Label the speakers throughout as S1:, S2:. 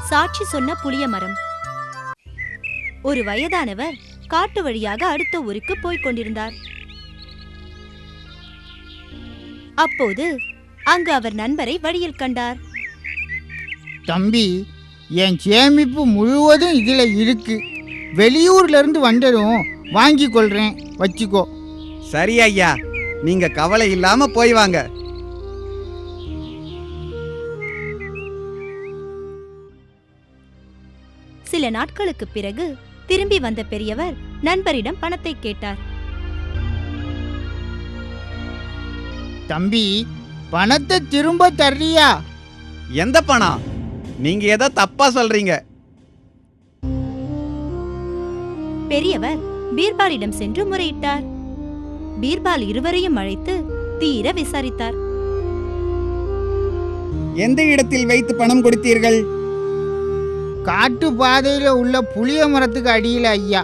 S1: சாட்சி சொன்ன புளிய மரம். ஒரு வயதானவர் காட்டு வழியாக அடுத்த ஊருக்கு போய்க் கொண்டிருந்தார். அப்போது அங்கு அவர் நண்பரை வழியில் கண்டார்.
S2: தம்பி, என் சேமிப்பு முழுவதும் இதுல இருக்கு. வெளியூர்ல இருந்து வந்ததும் வாங்கி கொள்றேன், வச்சுக்கோ.
S3: சரி ஐயா, நீங்க கவலை இல்லாம போய் வாங்க.
S1: சில நாட்களுக்கு பிறகு திரும்பி வந்த பெரியவர் நண்பரிடம் பணத்தை கேட்டார்.
S2: தம்பி, பணத்தை திரும்ப தர்றியா?
S3: எந்த பணம்? நீங்க ஏதோ தப்பா சொல்றீங்க.
S1: பெரியவர் பீர்பாலிடம் சென்று முறையிட்டார். பீர்பால் இருவரையும் அழைத்து தீர விசாரித்தார்.
S3: எந்த இடத்தில் வைத்து பணம் கொடுத்தீர்கள்?
S2: காட்டு பாதையில உள்ள புளிய மரத்துக்கு அடியில ஐயா.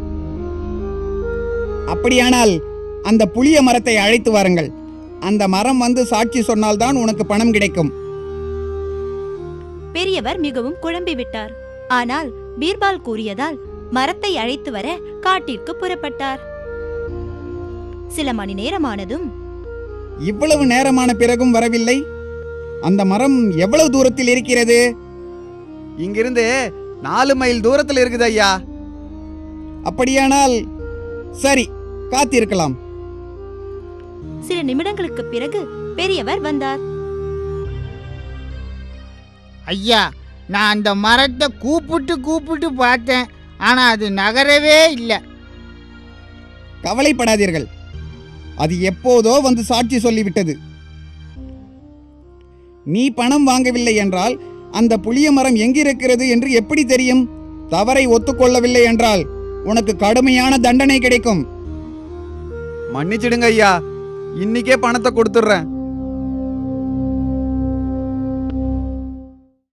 S3: அப்படியானால் அந்த புளிய மரத்தை அழைத்து வாருங்கள். அந்த மரம் வந்து சாட்சி சொன்னால்தான் உனக்கு பணம் கிடைக்கும்.
S1: பெரியவர் மிகவும் குழம்பிவிட்டார். ஆனால் பீர்பால் கூறியதால் மரத்தை அழைத்து வர காட்டிற்கு புறப்பட்டார். சில மணி நேரமானதும்,
S3: இவ்வளவு நேரமான பிறகும் வரவில்லை. அந்த மரம் எவ்வளவு தூரத்தில் இருக்கிறது? இங்கிருந்து 4 மைல் தூரத்தில் இருக்குது ஐயா. அப்படியானால் சரி, காத்திருக்கலாம்.
S1: சில நிமிடங்களுக்கு பிறகு பெரியவர் வந்தார்.
S2: ஐயா, நான் அந்த மரத்தை கூப்பிட்டு பார்த்தேன், ஆனா அது நகரவே இல்லை.
S3: கவலைப்படாதீர்கள், அது எப்போதோ வந்து சாட்சி சொல்லிவிட்டது. நீ பணம் வாங்கவில்லை என்றால் அந்த புளிய மரம் எங்கிருக்கிறது என்று எப்படி தெரியும்? தவறை ஒத்துக்கொள்ளவில்லை என்றால் உனக்கு கடுமையான தண்டனை கிடைக்கும். மன்னிச்சிடுங்க ஐயா, இன்னைக்கே பணத்தை கொடுத்துடுறேன்.